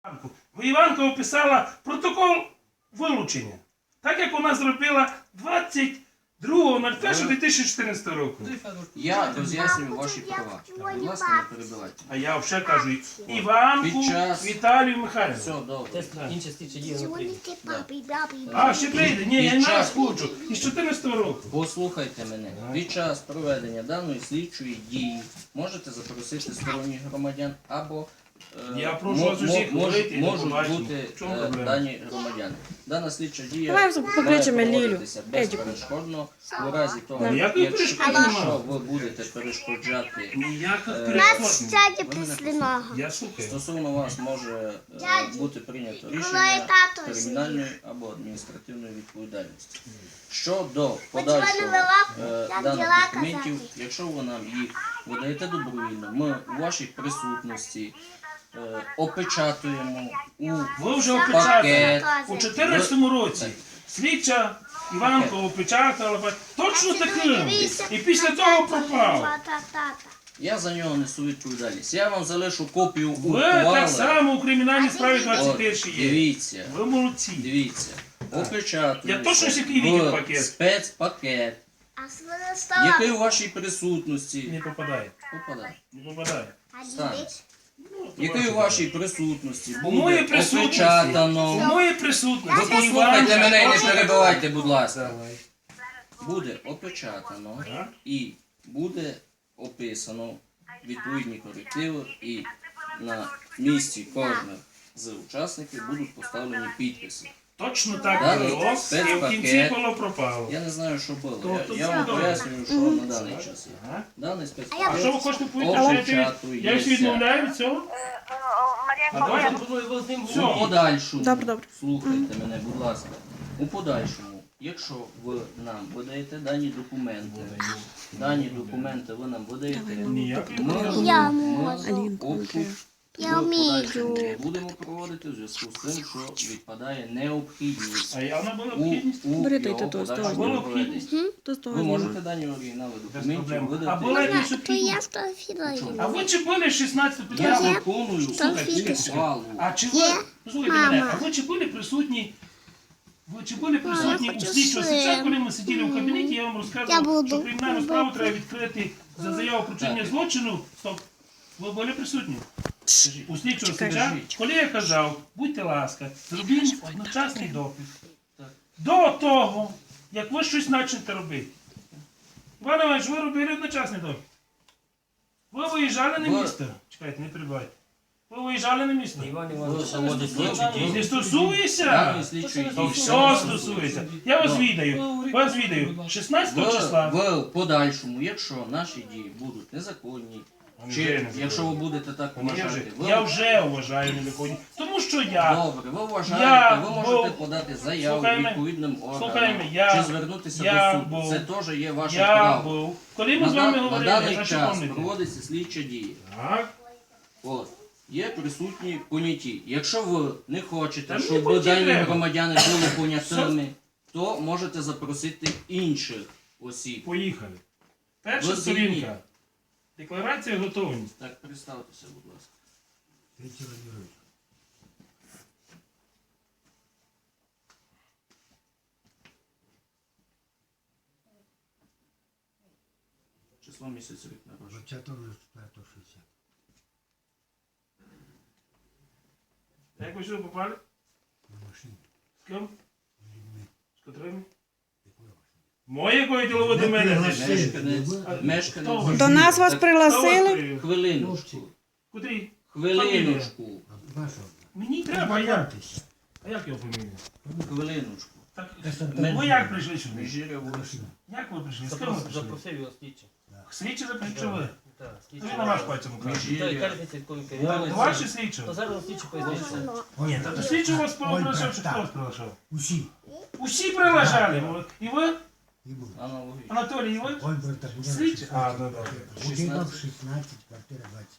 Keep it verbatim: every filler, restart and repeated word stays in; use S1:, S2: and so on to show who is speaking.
S1: Іванка описала протокол вилучення, так як вона зробила двадцять другого дві тисячі чотирнадцятого року.
S2: Я роз'яснюю ваші права. Будь ласка, не перебивайте.
S1: А я вже кажу Іванку
S2: Під час-
S1: Віталію Михайловну.
S2: Все, добре.
S3: Тест інші слідчі дії не прийде.
S1: А, ще прийде? Ні, я
S2: Під
S1: не
S2: час-
S1: хочу. Із чотирнадцятого року.
S2: Послухайте мене. Під час проведення даної слідчої дії можете запросити сторонніх громадян або е,
S1: Я прошу
S2: мо-
S1: вас усіх
S2: мо-
S1: говорити, і
S2: можуть
S1: побачимо.
S2: бути
S1: В чому
S2: е,
S1: проблема?
S2: дані громадяни. Дана слідча дія
S4: Давай
S2: має
S4: покличемо Лілю.
S2: проводитися
S4: Едіку.
S2: безперешкодно у разі того,
S1: Ніякої
S2: якщо,
S1: перешкоди
S2: якщо
S1: нема.
S2: ви будете перешкоджати.
S1: Ніяких
S2: Е,
S1: перешкод.
S5: Сядь після нього.
S1: Я слухаю.
S2: Стосовно вас може е, бути прийнято
S5: Коли
S2: рішення
S5: тато
S2: кримінальної або адміністративної відповідальності. Щодо
S5: Хоч
S2: подальшого
S5: вони вела,
S2: е,
S5: як
S2: даних
S5: діла
S2: документів,
S5: казати.
S2: якщо ви нам їх видаєте добровільно, ми у вашій присутності е, опечатуємо у
S1: Ви вже
S2: пакет.
S1: опечатали. У чотирнадцятому році слідча Іванка опечатала. Точно таким. І після того пропав.
S5: Та-та-та.
S2: Я за нього несу відповідальність. Я вам залишу копію
S1: Ви так
S2: ухвали.
S1: само у кримінальній справі
S2: От,
S1: двадцять першій є.
S2: дивіться.
S1: Ви молодці.
S2: Дивіться, опечатується
S1: Я точно всякий видів пакет.
S2: спецпакет,
S5: А з мене стала.
S2: який у вашій присутності
S1: Не попадає.
S2: попадає.
S1: Не попадає.
S5: А
S2: Стане.
S5: дідець?
S2: Який у вашій присутності
S1: У моїй
S2: буде
S1: присутності. У
S2: опечатано.
S1: моїй
S2: Ви
S1: присутності.
S2: послухайте мене і не
S1: Іванка-
S2: перебивайте, будь ласка.
S1: Давай.
S2: Буде опечатано
S1: Ага.
S2: і буде описано відповідні корективи, і на місці кожного з учасників будуть поставлені підписи.
S1: Точно так
S2: Даний
S1: було. І в
S2: спецпакет.
S1: кінці було пропало.
S2: Я не знаю, що було.
S1: Тобто
S2: Я, я
S1: це
S2: вам
S1: добре.
S2: пояснюю, що на даний час є.
S1: Ага.
S2: Даний
S1: А
S2: спецпакет
S1: що ви хочете повідомити? що я тобі- Я всі відмовляю від цього? А давайте
S3: Я пропоную ви з ним
S1: Все.
S2: у подальшому,
S4: Добре, добре.
S2: слухайте мене, будь ласка, у подальшому, якщо ви нам видаєте дані документи, дані документи ви нам видаєте,
S1: Ніякої
S2: ми,
S1: проблеми.
S5: Я
S2: ми
S5: можу.
S2: обшук
S5: Я
S2: в
S5: вмію.
S2: подальшому не будемо проводити в зв'язку з тим, що відпадає необхідність
S1: А явно була
S2: у,
S1: необхідність?
S2: у
S4: Бери
S2: його
S4: той тату,
S2: подальшому
S1: здавай.
S2: проведенні.
S4: То з того
S2: Ви
S4: зніму.
S2: можете дані оригінали
S1: Без
S2: документів
S1: проблем. А
S2: видати.
S1: була якась
S5: То
S1: необхідність?
S5: я сфотографірую.
S1: А ви чи були шістнадцятого
S2: Я
S1: п'ятого?
S2: виконую
S1: Слухайте,
S2: ухвалу.
S1: А чи ви, слухайте мене, а ви чи були присутні, ви чи були присутні
S5: я
S1: у
S5: хочу
S1: слідчого
S5: сир.
S1: слідча, коли ми сиділи у кабінеті, я вам
S5: Я
S1: розказував,
S5: буду.
S1: що кримінальну справу треба відкрити за заяву про вчинення
S2: Так.
S1: злочину. Стоп. Ви були присутні? У слідчого
S4: Чекай,
S1: слідча,
S2: кажіть.
S1: коли я казав, будьте ласка, зробіть одночасний допит.
S2: Так.
S1: До того, як ви щось почнете робити. Іван Іванович, ви робили одночасний допит. Ви виїжджали на
S2: Ви-
S1: місто. Чекайте, не перебивайте. Ви виїжджали на місто.
S3: Іван Іванович проводить слідчі
S1: Не
S3: дії.
S1: стосується.
S2: Даної слідчої
S1: То
S2: дії.
S1: все стосується. Я вас відаю. Вас відаю. шістнадцятого числа.
S2: В, в подальшому, якщо наші дії будуть незаконні,
S1: Вони
S2: чи
S1: вже незаконні.
S2: якщо ви будете так
S1: Вони вже-
S2: вважати, ви
S1: Я вже вважаю незаконні. Тому що я.
S2: добре, ви вважаєте,
S1: Я
S2: ви можете
S1: був-
S2: подати заяву
S1: Слухай мене.
S2: відповідним
S1: Слухай
S2: органам,
S1: мене, я-
S2: чи звернутися
S1: я
S2: до суду.
S1: був-
S2: Це теж є ваше
S1: Я
S2: право.
S1: був. Коли ми
S2: На,
S1: з вами
S2: да- на
S1: говорили,
S2: даний
S1: значить
S2: час
S1: помните.
S2: проводиться слідча дія.
S1: Так.
S2: От. Є присутні поняті. Якщо ви не хочете,
S1: Та мені
S2: щоб
S1: поняті
S2: дані
S1: треба.
S2: громадяни були понятими, то можете запросити інших осіб.
S1: Поїхали. Перша
S2: Ви звільні.
S1: сторінка. Декларація готовність.
S2: Так, представтеся, будь ласка. Число місяця рік народження.
S6: двадцятого шістдесят.
S1: Як ви сюди попали?
S6: На машині.
S1: З ким?
S6: З людьми.
S1: З котрими?
S6: Якої машини?
S1: Моє діло ви до мене.
S2: Мешканець.
S1: Хто
S2: Мешканець.
S1: ви?
S4: До нас вас
S2: Так,
S4: пригласили.
S2: Хвилиночку.
S1: Куди?
S2: Хвилиночку.
S6: Вашого.
S1: Мені треба, як? А як його фамілія?
S2: Хвилиночку.
S1: Так,
S2: Мен-
S1: ви як прийшли сюди?
S2: Міжіря вулиця.
S1: Як ви прийшли? З ким ви
S3: Запрос-
S1: прийшли?
S3: Запросив його слідчі.
S1: Слідчі запишіть, що ви?
S3: Так, слідчі.
S1: Ви на ваш пальцем кажете.
S3: Та, яка
S2: Міжіря.
S3: різниця, якою
S1: Так,
S3: керівали?
S1: Ваші слідчі?
S3: То зараз слідчі пояснюється.
S1: Ні, та до слідчого вас
S6: Ой,
S1: приглашав, чи
S6: так.
S1: хто вас приглашав?
S6: Усі.
S1: Усі приглашали. І ви?
S6: І були.
S2: Аналогічно.
S1: Анатолій, і ви?
S6: Ольберта буде
S1: Слідчі? А, да, да.
S6: Будинок шістнадцять, квартира двадцять.